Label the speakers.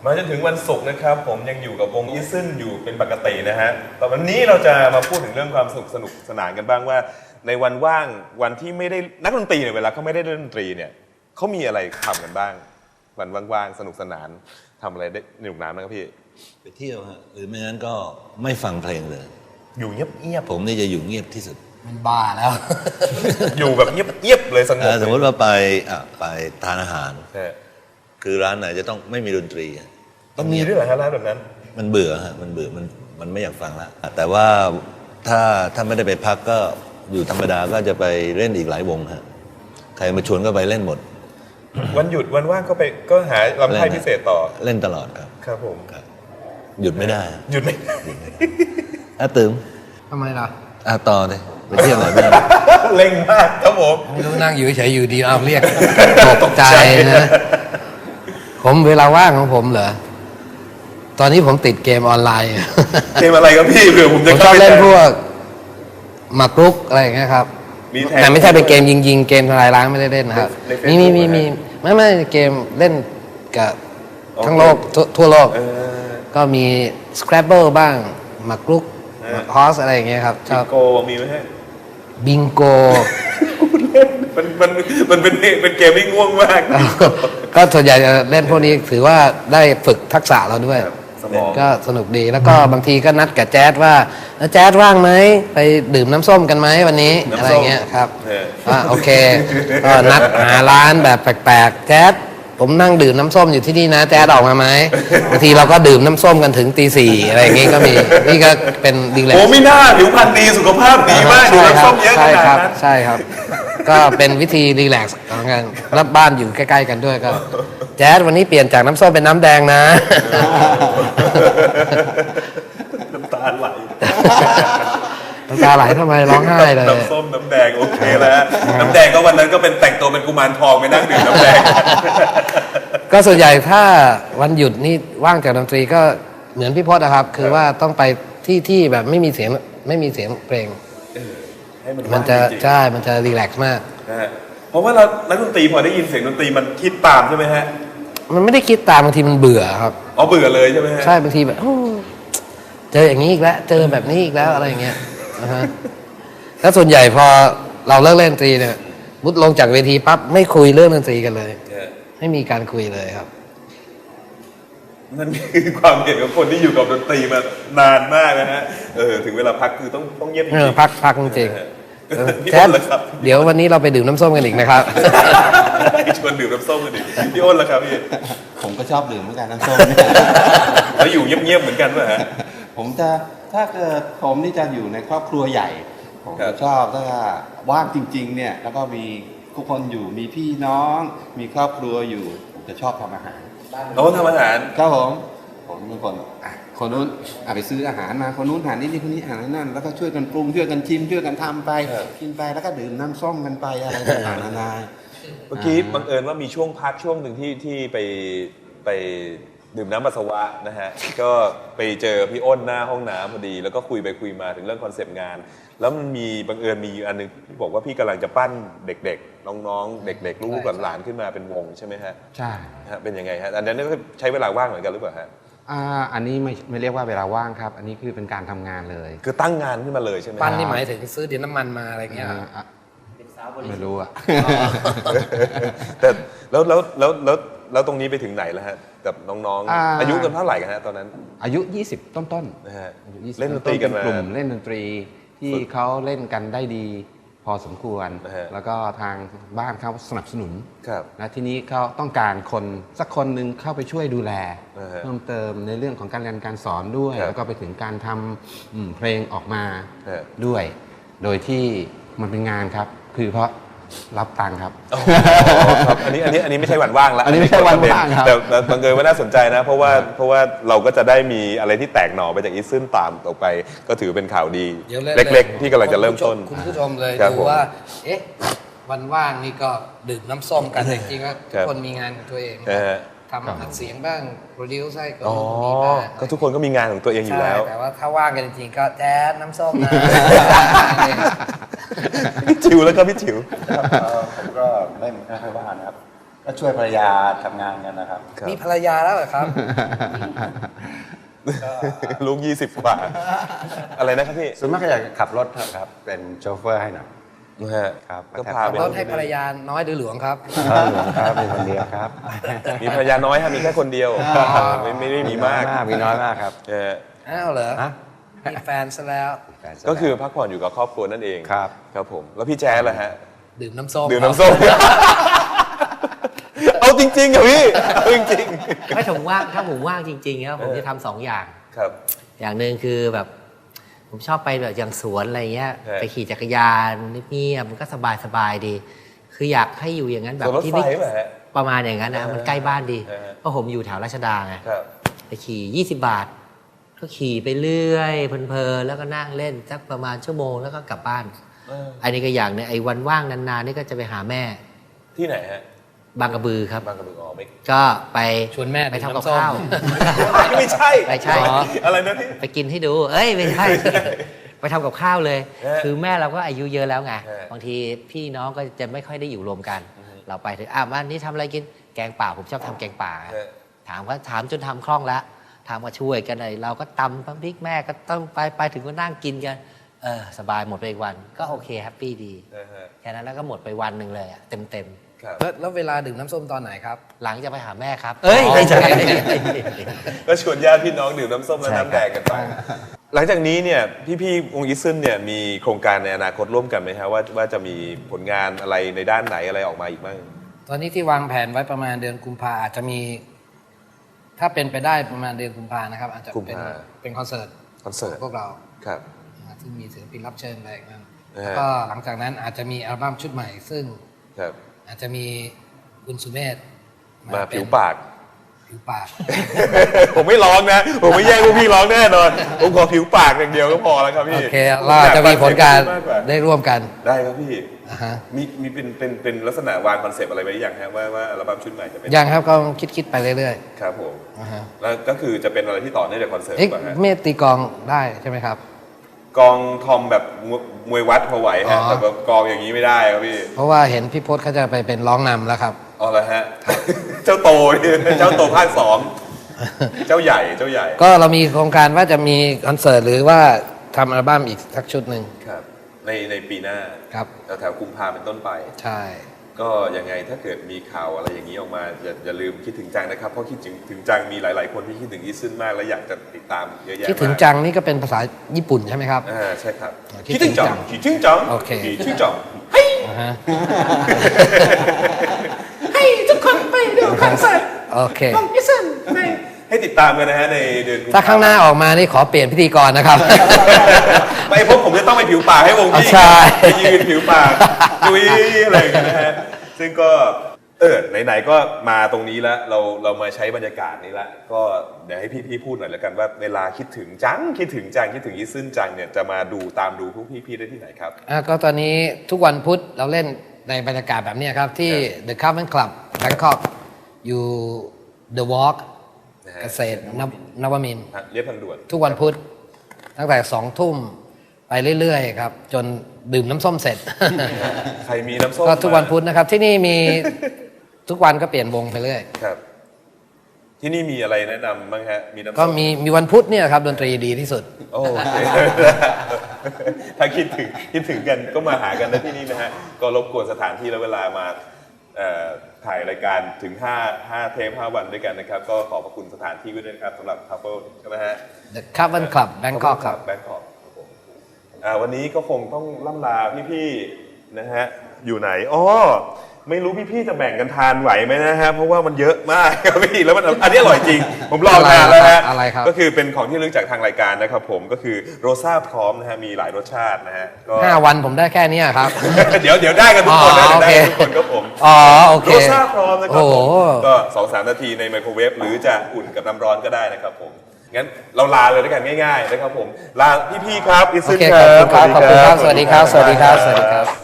Speaker 1: มาจนถึงวันศุกร์นะครับผมยังอยู่กับวงอีซึนอยู่เป็นปกตินะฮะแต่วันนี้เราจะมาพูดถึงเรื่องความสนุกสนานกันบ้างว่าในวันว่างวันที่ไม่ได้นักดนตรีเนี่ยเวลาเขาไม่ได้เล่นดนตรีเนี่ยเขามีอะไรทำกันบ้างวันว่างๆสนุกสนานทำอะไรได้สนุกสนานบ้างครับพี่
Speaker 2: ไปเที่ยวฮะหรือไม่งั้นก็ไม่ฟังเพลงเลย
Speaker 1: อยู่เงียบ
Speaker 2: ผมนี่จะอยู่เงียบที่สุด
Speaker 3: มันบ้าแล้ว
Speaker 1: อยู่แบบเงียบเลยสงบ
Speaker 2: สมมติว่าไปทานอาหารคือร้านไหนจะต้องไม่มีดนตรี
Speaker 1: มันมีด้วยเหรอฮะร้านแบบนั้น
Speaker 2: มันเบื่อฮะมันเบื่อมันไม่อยากฟังแล้วแต่ว่าถ้าไม่ได้ไปพักก็อยู่ธรรมดาก็จะไปเล่นอีกหลายวงฮะใครมาชวนก็ไปเล่นหมด
Speaker 1: วันหยุดวันว่างก็หาลำไส้พิเศษต่อ
Speaker 2: เล่นตลอดครับ
Speaker 1: ครับผม
Speaker 2: หยุดไม่ได้
Speaker 1: หยุดไม่
Speaker 2: ตื่ม
Speaker 3: ทำไมล่ะ
Speaker 2: ต่อเลยไปเที่ยวไหนบ้าง
Speaker 1: เล่งมากครับผม
Speaker 3: ไม่รู้นั่งอยู่เฉยอยู่ดีเอาเรียกตกใจนะผมเวลาว่างของผมเหรอตอนนี้ผมติดเกมออนไลน์
Speaker 1: เกมอะไรครับพี่เผื่อผมจะ
Speaker 3: ชอบเล่นพวกหมากรุกอะไรอย่างเงี้ยครับแต่ไม่ใช่เป็นเกมยิงเกมทลายล้างไม่ได้เล่นนะครับมีไม่เกมเล่นกับทั้งโลกทั่วโลกก็มี Scrabble บ้างหมากรุกฮอสอะไรอย่างเงี้ยครับ
Speaker 1: บิงโกมีไหมฮะ
Speaker 3: บิงโก
Speaker 1: มันเป็นเกมที่ง่วงมาก
Speaker 3: ก็ส่วนใหญ่จะเล่นพวกนี้ถือว่าได้ฝึกทักษะเราด้วยก็สนุกดีแล้วก็บางทีก็นัดกับแจ๊ดว่าแจ๊ดว่างไหมไปดื่มน้ำส้มกันไหมวันนี้อะไรเงี้ยครับโอเคก็นัดหาร้านแบบแปลกๆแจ๊ดผมนั่งดื่มน้ำส้มอยู่ที่นี่นะแจ๊ดออกมาไหมบางทีเราก็ดื่มน้ำส้มกันถึงตี 4อะไรอย่างงี้ก็มีนี่ก็เป็นดีเลย
Speaker 1: โอ้ไม่น่าผิวพรรณดีสุขภาพดีมากดื่มน้ำส้มเยอะขนาดนั้น
Speaker 3: ใช่ครับก็เป็นวิธีรีแลกซ์ของกันรับบ้านอยู่ใกล้ๆกันด้วยก็แจ๊ดวันนี้เปลี่ยนจากน้ำส้มเป็นน้ำแดงนะ
Speaker 1: น้ำตาไหล
Speaker 3: ทำไมร้องไห้เลย
Speaker 1: น้ำส้มน้ำแดงโอเคแล้วน้ำแดงก็วันนั้นก็เป็นแต่งตัวเป็นกุมารทองไปนั่งดื่มน้ำแดง
Speaker 3: ก็ส่วนใหญ่ถ้าวันหยุดนี่ว่างจากดนตรีก็เหมือนพี่พจน์นะครับคือว่าต้องไปที่แบบไม่มีเสียงเพลงมันจะใช่มันจะรีแลกซ์มาก
Speaker 1: เพราะว่าเรานักดนตรีพอได้ยินเสียงดนตรีมันคิดตามใช่ไหมฮะ
Speaker 3: มันไม่ได้คิดตามบางทีมันเบื่อครับ
Speaker 1: เบื่อเลยใช่ไหมฮะ
Speaker 3: ใช่บางทีแบบเจออย่างนี้อีกแล้วเจอแบบนี้อีกแล้วอะไรอย่างเงี้ยแล้วส่วนใหญ่พอเราเลิกเล่นดนตรีเนี่ยมุดลงจากเวทีปั๊บไม่คุยเรื่องดนตรีกันเลยไม่มีการคุยเลยครับ
Speaker 1: นั่นคือความเห็นของคนที่อยู่กับดนตรีมานานมากนะฮะถึงเวลาพักคือต้องเงียบจริง
Speaker 3: พักจริงแจ๊ดเดี๋ยววันนี้เราไปดื่มน้ำส้มกันอีกนะครับ
Speaker 1: ชวนดื่มน้ำส้มกันอีกพี่อ้นล่ะครับพี่
Speaker 4: ผมก็ชอบดื่มเหมือนกันน้ำส้ม
Speaker 1: แล้วอยู่เงียบๆเหมือนกันป่ะฮะ
Speaker 4: ผมจะถ้าเกิดผมนี่จะอยู่ในครอบครัวใหญ่ผมจะชอบถ้าว่างจริงๆเนี่ยแล้วก็มีทุกคนอยู่มีพี่น้องมีครอบครัวอยู่ผมจะชอบทำอาหาร
Speaker 1: ทำอาหาร
Speaker 4: ครับผมเป็นคนนู้นไปซื้ออาหารมาคนนู้นหานี่คนนี้หานั่นแล้วก็ช่วยกันปรุงช่วยกันชิมช่วยกันทำไปกินไปแล้วก็ดื่มน้ำส้มกันไปอะไรต่างๆนานา
Speaker 1: เมื่อกี้บังเอิญว่ามีช่วงพักช่วงหนึ่งที่ไปดื่มน้ำปัสสาวะนะฮะก็ไปเจอพี่อ้นหน้าห้องน้ำพอดีแล้วก็คุยมาถึงเรื่องคอนเซปต์งานแล้วมันมีบังเอิญมีอันนึงที่บอกว่าพี่กำลังจะปั้นเด็กๆน้องๆเด็กๆลูกหลานขึ้นมาเป็นวงใช่ไหมฮะ
Speaker 4: ใช่
Speaker 1: เป็นยังไงฮะอันนั้นใช้เวลาว่างเหมือนกันหรือเปล่าฮะ
Speaker 4: อันนี้ไม่เรียกว่าเวลาว่างครับอันนี้คือเป็นการทำงานเลย
Speaker 1: คือตั้งงานขึ้นมาเลยใช่ไหม
Speaker 3: ปั้นนี่หมายถึงซื้อดินน้ำมันมาอะไรเงี้ย
Speaker 4: ไม่รู้อะ
Speaker 1: แต่แล้วตรงนี้ไปถึงไหนแล้วฮะกับน้องๆอายุกันเท่าไหร่กันฮะตอนนั้น
Speaker 4: อายุ20ต้น
Speaker 1: ๆนะฮะเล่นดนตรีกันมาก
Speaker 4: ลุ่มเล่นดนตรีที่เขาเล่นกันได้ดีพอสมควรแล้วก็ทางบ้านเขาสนับสนุนและทีนี้เขาต้องการคนสักคนหนึ่งเข้าไปช่วยดูแลเพิ่มเติมในเรื่องของการเรียนการสอนด้วยแล้วก็ไปถึงการทำเพลงออกมาด้วยโดยที่มันเป็นงานครับคือเพราะรับตังค์ครับ
Speaker 1: อันนี้ไม่ใช่วันว่างแล้ว
Speaker 4: อันนี้ไม่ใช่วันว่างครับ
Speaker 1: แต่บังเอิญว่าน่าสนใจนะเพราะว่าเราก็จะได้มีอะไรที่แตกหน่อไปจากอีซึนตามต่อไปก็ถือเป็นข่าวดีเล็กๆที่กำลังจะเริ่มต้น
Speaker 3: คุณผู้ชมเลยดูว่าวันว่างนี่ก็ดื่มน้ำส้มกันจริงๆก็ทุกคนมีงานของตัวเองทำอัดเสียงบ้างโปรดิวซ์ให้ก็มีบ้าง
Speaker 1: ก็ทุกคนก็มีงานของตัวเองอยู่แล้ว
Speaker 3: แต่ว่าถ้าว่างกันจริงๆก็แจ๊ดน้ำส้มนะ
Speaker 1: พี่จิ๋วแล้วก็พี่จิ๋ว
Speaker 5: ผมก็ไม่ค่อยว่างนะครับก็ช่วยภรรยาทำงานกันนะครับ
Speaker 1: ครับ
Speaker 3: มีภรรยาแล้วเหรอครับ
Speaker 1: ลูก20 กว่า อะไรนะครับพี่
Speaker 5: ส่วนมากก็อยากขับรถครับเป็นโชเฟอร์ให้หน่อย
Speaker 1: นะฮะ
Speaker 5: ครับ
Speaker 1: ก็พาไป
Speaker 3: รถให้ภรรยาน้อยหรือหลวงครับ
Speaker 5: ครับมีคนเดียวครับ
Speaker 1: มีภรรยาน้อยฮะมีแค่คนเดียวไม่ได้มีมาก
Speaker 5: มีน้อยมากครับ
Speaker 1: เออ
Speaker 3: อ้าวเหรอ
Speaker 5: ฮะ
Speaker 3: มีแฟนซะแล้ว
Speaker 1: ก็คือพักผ่อนอยู่กับครอบครัวนั่นเอง
Speaker 5: ครับ
Speaker 1: ครับผมแล้วพี่แจ๊สล่ะฮะ
Speaker 3: ดื่มน้ำส้ม
Speaker 1: ดื่มน้ำส้ม เอาจริงๆเหรอพี่เอาจริง
Speaker 6: ไม่ผมว่างถ้าผมว่างจริงๆครับผมจะทำสองอย่าง
Speaker 1: ๆครับ
Speaker 6: อย่างหนึ่งคือแบบผมชอบไปแบบอย่างสวนอะไรเงี้ย
Speaker 1: ใช่
Speaker 6: ไปขี่จักรยานเงียบๆมันก็สบายๆดี คืออยากให้อยู่อย่างนั้นแบ
Speaker 1: ส่
Speaker 6: บ
Speaker 1: วนรถ
Speaker 6: ที่
Speaker 1: ไฟ
Speaker 6: ไม่
Speaker 1: ป่ะฮะ
Speaker 6: ประมาณอย่างนั้นนะมันใกล้บ้านดี
Speaker 1: เออ
Speaker 6: เพราะผมอยู่แถวราชดาไง
Speaker 1: ครับ
Speaker 6: ไปขี่20 บาท ก็ขี่ไปเรื่อยเพลินๆแล้วก็นั่งเล่นสักประมาณชั่วโมงแล้วก็กลับบ้าน อันนี้ก็อย่างหนึงไอ้วันว่างนานๆนี่ก็จะไปหาแม่
Speaker 1: ที่ไหนฮะ
Speaker 6: บางกระบือครับ
Speaker 1: บางกระบืออ๋อไม่
Speaker 6: ก็ไป
Speaker 3: ชวนแม่
Speaker 6: ไปทำกับ
Speaker 3: ดื่มน้ำส้ม
Speaker 6: ข้าว
Speaker 1: ไม่ใช่
Speaker 6: ไม่ใช่
Speaker 1: อะไรนะพี่
Speaker 6: ไปกินให้ดู เอ้ยไม่ใช่ ไปทำกับข้าวเลย
Speaker 1: เออ
Speaker 6: คือแม่เราก็อายุเยอะแล้วไง
Speaker 1: เออบ
Speaker 6: างทีพี่น้องก็จะไม่ค่อยได้อยู่รวมกัน เราไปถึงวันนี้ทำอะไรกิน แกงป่าผมชอบทำแกงป่า
Speaker 1: เออ
Speaker 6: ถามจนทำคล่องแล้วถามมาช่วยกันเลยเราก็ตำพริกแม่ก็ต้องไปถึงก็นั่งกินกัน สบายหมดไปอีกวัน ก็โอเคแฮปปี้ดี
Speaker 1: นะฮะ
Speaker 6: แค่นั้นแล้วก็หมดไปวันหนึ่งเลยอะเต็ม
Speaker 1: ครับ
Speaker 3: แล้วเวลาดื่มน้ำส้มตอนไหนครับ
Speaker 6: ๆ หลังจะไปหาแม่ครับ เอ้ยไม่ใช่
Speaker 1: ก็ชวนญาติพี่น้องดื่มน้ำส้มและน้ำแดงกันไป หลังจากนี้เนี่ยพี่วงอีซึนเนี่ยมีโครงการในอนาคตร่วมกันไหมฮะว่าจะมีผลงานอะไรในด้านไหนอะไรออกมาอีกบ้าง
Speaker 3: ตอนนี้ที่วางแผนไว้ประมาณเดือนกุมภาอาจจะมี ถ้าเป็นไปได้ประมาณเดือนกุมภานะครับ อาจจะ
Speaker 1: กุม
Speaker 3: เป็น
Speaker 1: ภา
Speaker 3: เป็นคอนเสิร์ต
Speaker 1: คอนเสิร์ต
Speaker 3: ของพวกเรา
Speaker 1: ครับ
Speaker 3: ที่มีศิลปินรับเชิญอะไรอย่างนั้น
Speaker 1: นะฮะ
Speaker 3: แล้วก็หลังจากนั้นอาจจะมีอัลบั้มชุดใหม่ ซึ่ง
Speaker 1: ครับ
Speaker 3: อาจจะมีคุณสุเมธ
Speaker 1: มา
Speaker 3: เป็น
Speaker 1: ผิวปาก
Speaker 3: ผิวปาก
Speaker 1: ผมไม่ร้องนะ ผมไม่แย่งพวกพี่ร้องแน่นอน ผมขอผิวปากอย่างเดียวก็พอแล้วครับพี่
Speaker 3: โอเคเราอาจจะมีผลการ
Speaker 1: มกกว่า
Speaker 3: ได้ร่วมกัน
Speaker 1: ได้ครับพี่
Speaker 3: อ่าฮะ
Speaker 1: มีเป็นลักษณะวางคอนเซปต์อะไรไว้อย่างฮะว่าอัลบั้มชุดใหม่จะเป็น
Speaker 3: ยังครับก็คิดไปเรื่อย
Speaker 1: ครับผม
Speaker 3: ๆอ่าฮะ
Speaker 1: แล้วก็คือจะเป็นอะไรที่ต่อเนื่องจากคอนเสิร์ต
Speaker 3: เอ๊ะ
Speaker 1: ป่ะฮะ
Speaker 3: เมธตีกลองได้ใช่ไหมครับ
Speaker 1: กองทอมแบบมวยวัดพอไหวฮะ
Speaker 3: อ๋อ
Speaker 1: แต่แบบกองอย่างนี้ไม่ได้ครับพี่
Speaker 3: เพราะว่าเห็นพี่พศเขาจะไปเป็นร้องนำแล้วครับ
Speaker 1: อ๋อแล้วฮะ เจ้าโตนี่เจ้าโตภาค 2 เจ้าใหญ่เจ้าใหญ่
Speaker 3: ก็เรามีโครงการว่าจะมีคอนเสิร์ตหรือว่าทำอัลบั้มอีกสักชุดหนึ่ง
Speaker 1: ครับในปีหน้า
Speaker 3: ครับ
Speaker 1: แถวกุมภาเป็นต้นไป
Speaker 3: ใช่
Speaker 1: ก็ยังไงถ้าเกิดมีข่าวอะไรอย่างนี้ออกมาอย่าลืมคิดถึงจังนะครับ เพราะคิดถึงจังมีหลาย ๆ คนที่คิดถึงอีซึนมากและอยากจะติดตามเยอะแยะ
Speaker 3: คิดถึง
Speaker 1: มาก
Speaker 3: จังนี่ก็เป็นภาษาญี่ปุ่นใช่ไหมครับ
Speaker 1: ใช่ครับ
Speaker 3: คิดถึงจัง
Speaker 1: คิดถึงจัง
Speaker 3: โอเค
Speaker 1: คิดถึงจัง
Speaker 3: อ่าฮะ
Speaker 6: ให้ทุกคนไปดูคอนเสิร์ต
Speaker 3: โอเค
Speaker 6: ของพี่ซึนใน
Speaker 1: ให้ติดตามกันนะฮะในเดือนกุมภ
Speaker 3: ถ้าข้างหน้าออกมานี่ขอเปลี่ยนพิธีกรนะครับ
Speaker 1: ไปพบผมจะต้องไปผิวปากให้วงพี่
Speaker 3: ใช่
Speaker 1: ไปยืนผิวปากจุ้ยอะไรอย่างเงี้ยนะฮะซึ่งก็ไหนๆก็มาตรงนี้แล้วเรามาใช้บรรยากาศนี้ละก็เดี๋ยวให้พี่พูดหน่อยแล้วกันว่าเวลาคิดถึงจังคิดถึงอีซึนจังเนี่ยจะมาตามดูพวกพี่ได้ที่ไหนครับ
Speaker 3: ก็ตอนนี้ทุกวันพุธเราเล่นในบรรยากาศแบบนี้ครับ ที่ The Carbon Club Bangkok อยู่ The Walk
Speaker 1: นะฮะ
Speaker 3: เกษตรนวมินทร์
Speaker 1: เรียบทางด่วน
Speaker 3: ทุกวันพุธตั้งแต่2 ทุ่มไปเรื่อยๆครับ จนดื่มน้ำส้มเสร็จ
Speaker 1: ใครมีน้ำส้ม
Speaker 3: ก็ทุกวันพุธนะครับ ที่นี่มีทุกวันก็เปลี่ยนวงไปเรื่อย
Speaker 1: ครับ ที่นี่มีอะไรแนะนำบ้างฮะมีน้ำส้ม
Speaker 3: ก็มีวันพุธเนี่ยครับดนตรีดีที่สุด
Speaker 1: โอเค ถ้าคิดถึงกันก็มาหากันได้ที่นี่นะฮะก็รบกวนสถานที่และเวลามาถ่ายรายการถึง5เทป5 วันด้วยกันนะครับ ก็ขอบพระคุณสถานที่ด้วยนะครับสำหรับ Couple ใช่ไหมฮะ
Speaker 3: The Carbon Club Bangkok ครับ
Speaker 1: แบงคอกครับผมวันนี้ก็คงต้องล่ำลาพี่ๆนะฮะอยู่ไหนอ๋อไม่รู้พี่ๆจะแบ่งกันทานไหวไหมนะฮะเพราะว่ามันเยอะมากครับพี่แล้วมันอันนี้อร่อยจริง ผมลองทานแล้วฮะ
Speaker 3: อะไรครับ
Speaker 1: ก็คือเป็นของที่ลึกจากทางรายการนะครับผมก็คือโรซ่าพร้อมนะฮะมีหลายรสชาตินะฮะก็
Speaker 3: 5 วันผมได้แค่นี้ครับ
Speaker 1: เดี๋ยวได้กันทุกคนนะ
Speaker 3: อ๋อ
Speaker 1: เดี๋ยวได้กัน
Speaker 3: โอเค
Speaker 1: ทุกคนครับผม
Speaker 3: อ๋อโอเค
Speaker 1: โรซ่าพร้อมนะครับ
Speaker 3: โอ้
Speaker 1: ผ
Speaker 3: โห
Speaker 1: มก็ 2-3 นาทีในไมโครเวฟหรือจะอุ่นกับน้ำร้อนก็ได้นะครับผมงั้นเราลาเลยด้วยกันง่ายๆนะครับผมลาพี่ๆครับอิ
Speaker 3: โอ
Speaker 1: ซึน
Speaker 3: เค
Speaker 1: ค
Speaker 3: ข
Speaker 1: รั
Speaker 3: อบบ คุณครับขอบคุณครับ สวัสดีครับ สวัสดีครับ สวัสดีครับ